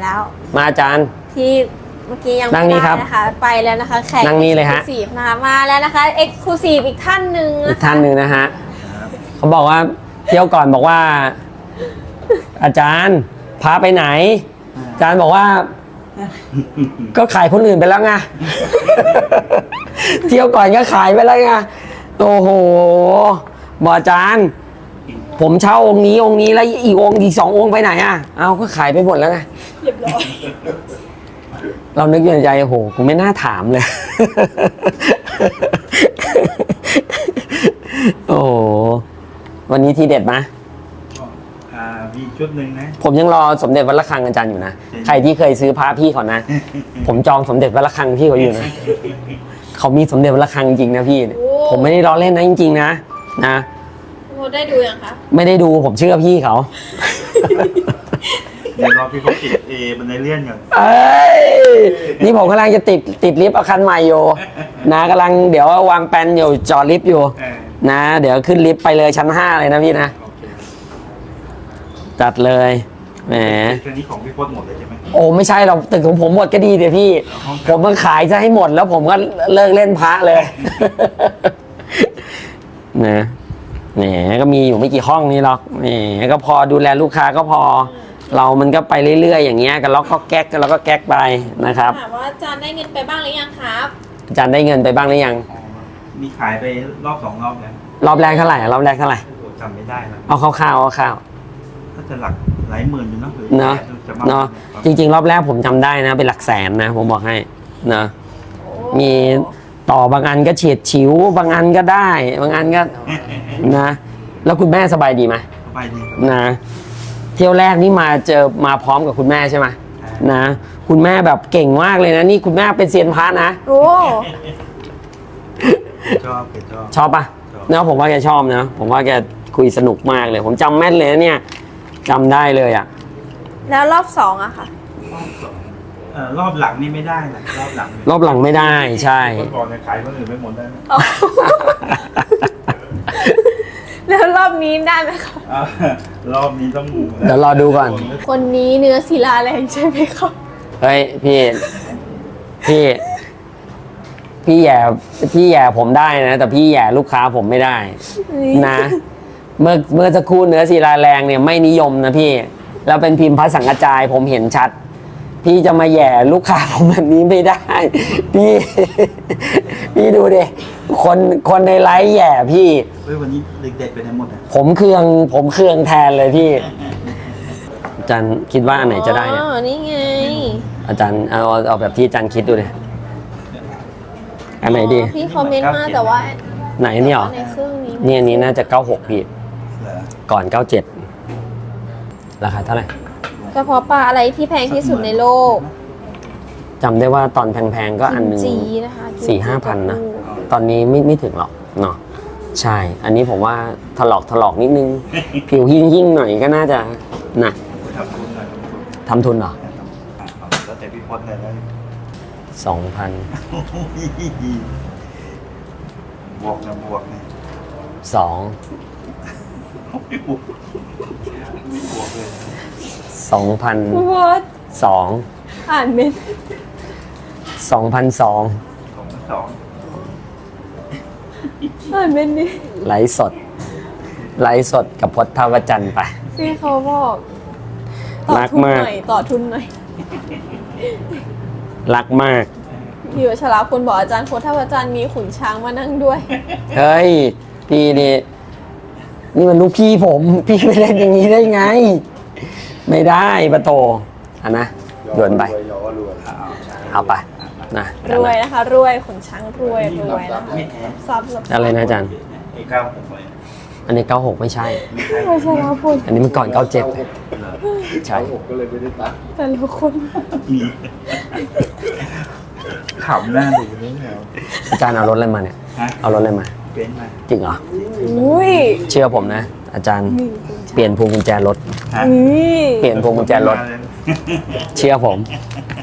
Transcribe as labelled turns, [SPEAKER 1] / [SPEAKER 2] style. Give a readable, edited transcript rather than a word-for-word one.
[SPEAKER 1] แล้ว
[SPEAKER 2] มาอาจารย์
[SPEAKER 1] ที่เมื่อกี้ยัง
[SPEAKER 2] นั่
[SPEAKER 1] ไม่
[SPEAKER 2] งนี่
[SPEAKER 1] ได้
[SPEAKER 2] ครับ
[SPEAKER 1] นะคะไปแล้วนะคะแขก
[SPEAKER 2] นั่งนี่เลยฮะ
[SPEAKER 1] Exclusive นะคะมาแล้วนะคะเอ็กซ์คลูซีฟอีกท่านหนึ่ง
[SPEAKER 2] อี
[SPEAKER 1] นะ
[SPEAKER 2] ก
[SPEAKER 1] คะ
[SPEAKER 2] ท่านหนึ่งนะฮะเขาบอกว่าเที่ยวก่อนบอกว่า อาจารย์พาไปไหน อาจารย์บอกว่า ก็ขายคนอื่นไปแล้วไง เที่ยวก่อนก็ขายไปแล้วไงโอ้โหบอกอาจารย์ ผมเช่าองค์นี้แล้วอีกองค์อีก2 องค์ไปไหนอ่ะเอาก็ขายไปหมดแล้วไง
[SPEAKER 1] เรียบร้อย
[SPEAKER 2] เรานึกอยู่ในใจโอ้โหกูไม่น่าถามเลย โอ้โหวันนี้ทีเด็ดไหม
[SPEAKER 3] มีชุดหนึ่งนะ
[SPEAKER 2] ผมยังรอสมเด็จวัดระฆังอาจารย์อยู่นะ ใครที่เคยซื้อพระพี่เขานะ ผมจองสมเด็จวัดระฆังพี่เขาอยู่นะ เขามีสมเด็จวัดระฆังจริงนะพี่ ผมไม่ได้ล้อเล่นนะจริงๆนะนะ
[SPEAKER 1] โมได้ดูยังคะ
[SPEAKER 2] ไม่ได้ดูผมเชื่อพี่เขา
[SPEAKER 3] เดี๋ยวรอพี่เขาติดบันไดเลื่อนก่อน
[SPEAKER 2] เอ้ยนี่ผมกำลังจะติดลิฟต์เอาคันใหม่อยู่นะกำลังเดี๋ยววางแปลนอยู่จอดลิฟต์อยู่นะเดี๋ยวขึ้นลิฟต์ไปเลยชั้น 5เลยนะพี่นะ
[SPEAKER 3] โอเค
[SPEAKER 2] จัดเลยแหม
[SPEAKER 3] แค่นี้ของพี่พจน์หมดเลยใช่ไหม
[SPEAKER 2] โอ้ไม่ใช่เราตึกของผมหมดก็ดีเดี๋ยวพี่ ผมมาขายจะให้หมดแล้วผมก็เลิกเล่นพระเลย นะแหมก็มีอยู่ไม่กี่ห้องนี่หรอกแหมก็พอดูแลลูกค้าก็พอ เรามันก็ไปเรื่อยๆอย่างเงี้ยกันล็อกก็แก๊กกันแล้วก็แก๊กไปนะครับ
[SPEAKER 1] ถามว่าอาจารย์ได้เงินไปบ้างหรือยังครับ
[SPEAKER 2] อาจารย์ได้เงินไปบ้างหรือยัง
[SPEAKER 3] มีขายไปรอบ2 รอบแล้ว
[SPEAKER 2] รอบแรกเท่าไหร่รอบแรกเท่าไหร่
[SPEAKER 3] โอ้โหจำไม่ได้แล้ว
[SPEAKER 2] เอาคร่าวๆเอาคร่าว
[SPEAKER 3] ถ้าจะหลักหลายหมื่นอยู่เนาะหรือ
[SPEAKER 2] เนาะ
[SPEAKER 3] จะมาก
[SPEAKER 2] เนาะจริงๆ รอบแรกผมจำได้นะเป็นหลักแสนนะผมบอกให้นะมีต่อบางอันก็เฉียดฉิวบางอันก็ได้บางอันก็นะแล้วคุณแม่สบายดีไหม
[SPEAKER 3] สบายดีครับ
[SPEAKER 2] นะเที่ยวแรกนี่มาพร้อมกับคุณแม่ใช่ไหมนะคุณแม่แบบเก่งมากเลยนะนี่คุณแม่เป็นเซียนพระนะ
[SPEAKER 1] โอ้
[SPEAKER 3] ชอบชอบ
[SPEAKER 2] ชอบปะเนาะผมว่าแกชอบนะผมว่าแกคุยสนุกมากเลย ผมจำแม่นเลยนะเนี่ยจำได้เลยอ่ะ
[SPEAKER 1] แล้วรอบสองอะค่ะ
[SPEAKER 3] รอบหลังนี่ไม่ได้นะรอบหลัง
[SPEAKER 2] รอบหลังไม่ได้ใช่
[SPEAKER 3] เมื่อก่อนเนี่ยขายคนอื่นไม่หมดได้ไหม
[SPEAKER 1] แล้วรอบนี้ได้ไหมคะ
[SPEAKER 3] รอบนี้ต้อง
[SPEAKER 2] เดี๋ยวรอดูก่อน
[SPEAKER 1] คนนี้เนื้อศิลาแรงใช่ไหมครับ
[SPEAKER 2] เฮ้ยพี่พี่แย่ผมได้นะแต่พี่แย่ลูกค้าผมไม่ได้นะเมื่อสักครู่เนื้อศิลาแรงเนี่ยไม่นิยมนะพี่แล้วเป็นพิมพ์พระสังกระจายผมเห็นชัด พี่จะมาแย่ลูกค้าผมแบบนี้ไม่ได้ พี่ดูดิคนในไลฟ์แย่พี่
[SPEAKER 3] เฮ้ยวันนี้เด็กๆไปไหนหมดอ่ะ
[SPEAKER 2] ผมเครื่องแทนเลยพี่อาจารย์คิดว่าอันไหนจะได้เนี่ย
[SPEAKER 1] อ๋อ นี่ไง
[SPEAKER 2] อาจารย์เอาแบบที่อาจารย์คิดดูเลยอันไหนดี
[SPEAKER 1] พี่คอมเมนต์มาแต่ว่า
[SPEAKER 2] ไหนนี่หรอ
[SPEAKER 1] ในเครื่องนี้
[SPEAKER 2] นี่อันนี้น่าจะ96พี่
[SPEAKER 3] เหรอ
[SPEAKER 2] ก่อน 97 ราคาเท่าไหร่
[SPEAKER 1] กระเพาะปลาอะไรที่แพงที่สุดในโลก
[SPEAKER 2] จำได้ว่าตอนแพงๆก็อันหนึ่ง
[SPEAKER 1] กิมจินะคะ
[SPEAKER 2] 4-5 พันนะ ตอนนี้ไม่ถึงหรอกเนาะใช่ อันนี้ผมว่าถลอกนิดนึง ผิวหิ่งๆหน่อยก็น่าจะนะ
[SPEAKER 3] ทำทุนหน่อย
[SPEAKER 2] ทำทุนเหรอ
[SPEAKER 3] แล้วแต่พี่พจน์เลยนะ
[SPEAKER 2] 2,000
[SPEAKER 3] บวกนะบวกนะ
[SPEAKER 2] 2
[SPEAKER 3] ไม่บวกไม่บวกเลย
[SPEAKER 2] 2,002
[SPEAKER 1] วอดอ่านเมน
[SPEAKER 2] 2,002
[SPEAKER 3] 2
[SPEAKER 1] อ่านเมนนี่
[SPEAKER 2] ไลฟ์สดกับพจน์ท่าวจันทร์ไป
[SPEAKER 1] พี่เขาบอกต่อ
[SPEAKER 2] รัก
[SPEAKER 1] ทุน
[SPEAKER 2] มาก
[SPEAKER 1] หน่อยต่อทุนหน่อย
[SPEAKER 2] รักมาก
[SPEAKER 1] พี่วัชราพลบอกอาจารย์โพธาอาจารย์มีขุนช้างมานั่งด้วย
[SPEAKER 2] เฮ้ย พี่นี่มันลูกพี่ผม พี่ไม่เล่นอย่างนี้ได้ไง ไม่ได้ปะโตอ่ะนะโยนไป เอาไปนะ
[SPEAKER 1] รวยนะคะ รวยขุนช้างรวยนะคะซับ
[SPEAKER 2] อะไรนะอาจารย์
[SPEAKER 3] ไอ้ก้าวผมไป
[SPEAKER 2] อันนี้ 96 ไม่ใช่
[SPEAKER 1] พี่วัชราพล
[SPEAKER 2] อันนี้มันก่อน 97เลยใช่
[SPEAKER 3] ผมก็เลยไม่ได้ตัด
[SPEAKER 1] แต่ละคน
[SPEAKER 3] มีขำหน้าดูเลยแล้ว
[SPEAKER 2] อาจารย์เอารถอะไรมาเนี่ย
[SPEAKER 3] ฮะ
[SPEAKER 2] เอารถอะไรมา
[SPEAKER 3] เป็นมา
[SPEAKER 2] จริงเหรอ
[SPEAKER 1] อุ้ย
[SPEAKER 2] เชื่อผมนะ อาจารย์เปลี่ยนพวงกุญแจรถ
[SPEAKER 3] ฮะ
[SPEAKER 1] นี่
[SPEAKER 2] เปลี่ยนพวงกุญแจรถ เชื่อผม